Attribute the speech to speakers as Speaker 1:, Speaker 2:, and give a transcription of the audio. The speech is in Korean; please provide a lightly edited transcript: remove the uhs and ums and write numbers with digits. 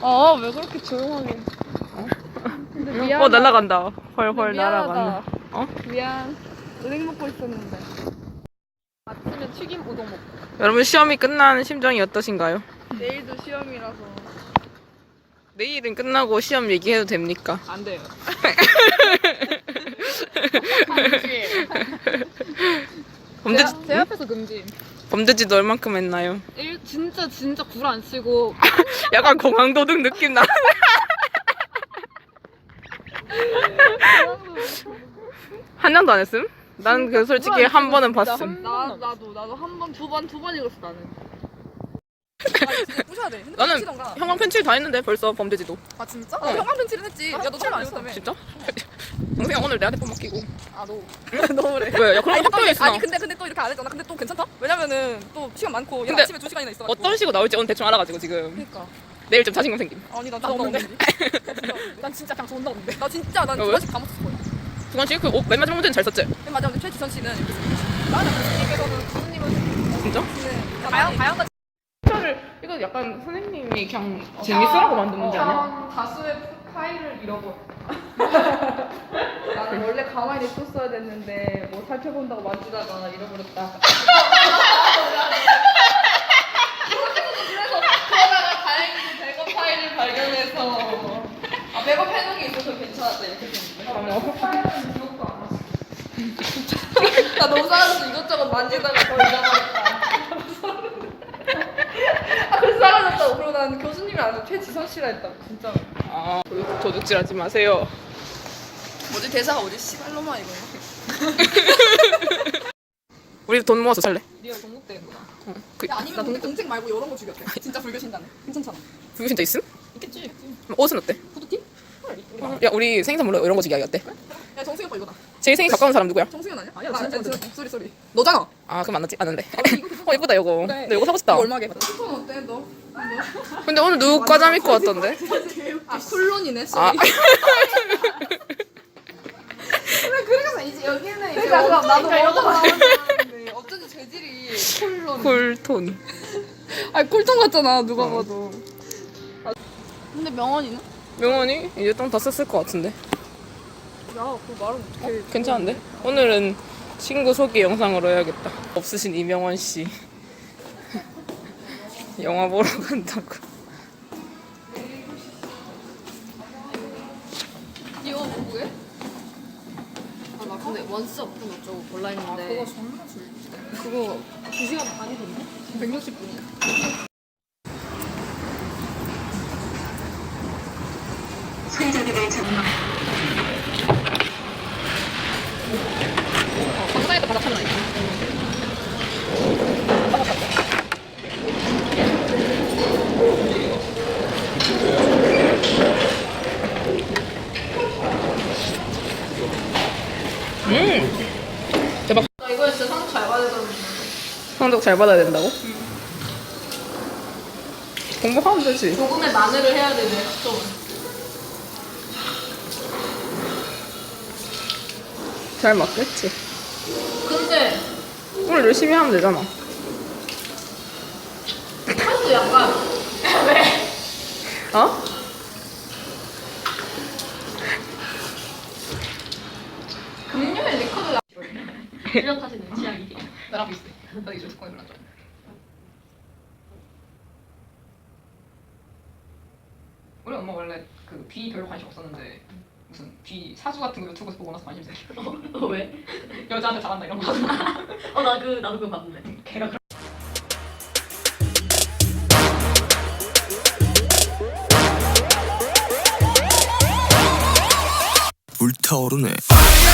Speaker 1: 아, 왜 그렇게 조용하게. 근데 미안하다.
Speaker 2: 날아간다. 헐헐
Speaker 1: 미안하다.
Speaker 2: 날아간다.
Speaker 1: 미안. 은행 먹고 있었는데. 아침에 튀김 우동 먹고.
Speaker 2: 여러분 시험이 끝난 심정이 어떠신가요?
Speaker 1: 내일도 시험이라서.
Speaker 2: 내일은 끝나고 시험 얘기해도 됩니까?
Speaker 1: 안 돼요.
Speaker 2: 범죄지,
Speaker 1: 제 앞에서 금지.
Speaker 2: 범죄지도 얼만큼 했나요?
Speaker 1: 진짜 굴 안 치고.
Speaker 2: 약간 공항도둑 느낌 나. 한 장도 안 했음? 난 그 솔직히 한 번은 봤음.
Speaker 1: 나도 한 번, 두 번 읽었어, 나는.
Speaker 3: 진짜 부셔야 돼. 핸드폰
Speaker 2: 나는
Speaker 3: 치던가.
Speaker 2: 형광 펜칠 다 했는데 벌써 범죄지도.
Speaker 3: 아 진짜? 형광 펜칠은 했지. 야 너 칠안 했어.
Speaker 2: 진짜? 동생아 오늘 내 핸드폰 맡기고.
Speaker 3: 아 너. 너 그래.
Speaker 2: 왜? 야 그런
Speaker 3: 아니,
Speaker 2: 학교에 있어.
Speaker 3: 아니 근데 또 이렇게 안 했잖아. 근데 또 괜찮다? 왜냐면은 또 시간 많고 얘
Speaker 2: 근데
Speaker 3: 아침에 2시간이나 있어.
Speaker 2: 어떤 식으로 나올지 오늘 대충 알아가지고 지금
Speaker 3: 그러니까.
Speaker 2: 내일 좀 자신감 생김.
Speaker 3: 아니 난
Speaker 1: 나 없는데?
Speaker 3: 난 진짜 그냥 존나 없는데. 나 진짜 난
Speaker 2: 왜?
Speaker 3: 두 번씩 다 맞췄을 거야.
Speaker 2: 두관씨 그 맨 마지막 문제는 잘 썼지?
Speaker 3: 맨 마지막에 최지선 씨는 이렇게 나는 교수님께서는 교수님은
Speaker 2: 진짜?
Speaker 3: 다양한
Speaker 2: 이거 약간 선생님이 그냥 재밌으라고 만든 문제 아니야?
Speaker 1: 다수의 파일을 잃어버려. 나는 원래 가만히 뒀어야 됐는데 뭐 살펴본다고 만지다가 잃어버렸다. 그래서 그러다가 다행히 백업 파일을 발견해서 백업 해놓은 게 있어서 괜찮았다 이렇게 됐는데. 파일은 기억도 안 났어. 나 너무 싸가지고 이것저것 만지다가 더 잃어버렸다. 그래서 사라졌다고. 그리고 난 교수님이 아니라 최지선 씨라 했다고 진짜.
Speaker 2: 아 도둑질하지 마세요.
Speaker 3: 뭐지 대사가 어디 씨발로마 이거.
Speaker 2: 우리 돈 모아서 살래.
Speaker 1: 리얼 동국대구나.
Speaker 2: 그,
Speaker 3: 야 아니면 동책 말고 이런 거 죽였대. 진짜 불교신다네. 괜찮잖아.
Speaker 2: 그거 진짜 있음?
Speaker 3: 있겠지.
Speaker 2: 옷은 어때?
Speaker 3: 후드티?
Speaker 2: 야 우리 생일 선물로 이런 거 주기 어때?
Speaker 3: 야 정승이 오빠 이거다.
Speaker 2: 제일 생일 가까운 사람 누구야?
Speaker 3: 정승현 아니야?
Speaker 1: 아니야,
Speaker 3: 나
Speaker 1: 진짜
Speaker 3: 진짜 소리. 너잖아.
Speaker 2: 아 그럼 만났지? 아는데.
Speaker 3: 이거 괜찮다.
Speaker 2: 이쁘다 이거.
Speaker 3: 그래.
Speaker 2: 나 이거 사고 싶다.
Speaker 3: 이거 얼마게?
Speaker 1: 톤 어때 너?
Speaker 2: 근데 오늘 누구 과잠 입고 왔던데?
Speaker 1: 아 쿨론이네.
Speaker 2: 아
Speaker 1: 그래서 이제 여기는 이제
Speaker 3: 그러니까 그럼 나도
Speaker 1: 여자
Speaker 3: 먹어봐.
Speaker 1: 나오는데 어쩐지 재질이 쿨론.
Speaker 2: 쿨톤.
Speaker 1: 아니 쿨톤 같잖아 누가 봐도. 근데 명언이는?
Speaker 2: 명언이 이제 좀 다 썼을 것 같은데.
Speaker 1: 야 그 말은 어떻게?
Speaker 2: 괜찮은데? 오늘은 친구 소개 영상으로 해야겠다. 없으신 이명원 씨. 영화 보러 간다고.
Speaker 1: 이거 누구게?
Speaker 4: 나 근데 원스 어떤 어쩌고 골라 있는데
Speaker 1: 그거 존나 줄.
Speaker 4: 그거 2시간 반이던데?
Speaker 1: 160분.
Speaker 2: 감사해도 바닥 하나 있어. 대박.
Speaker 1: 나 이거 진짜 상품 잘 받아야 되는데.
Speaker 2: 성적 잘 받아야 된다고? 공부하면 되지.
Speaker 1: 조금의 마늘을 해야 되네. 좀.
Speaker 2: 잘 맞겠지.
Speaker 1: 근데
Speaker 2: 오늘 열심히 하면 되잖아.
Speaker 1: 한도 약간
Speaker 2: 어?
Speaker 1: 금요일 리커드
Speaker 4: 뚜렷하시는 취향이
Speaker 1: 나랑 비슷해. 나 이제 조건이 별로 안 좋아.
Speaker 5: 우리 엄마 원래 그 귀 별로 관심 없었는데 무슨 귀 사주 같은 거 유튜브에서 보고 나서 관심 생겨.
Speaker 4: 왜?
Speaker 5: 여자한테 잘한다 이런 거.
Speaker 4: 나도 그거 봤는데
Speaker 5: 걔가
Speaker 6: 불타오르네.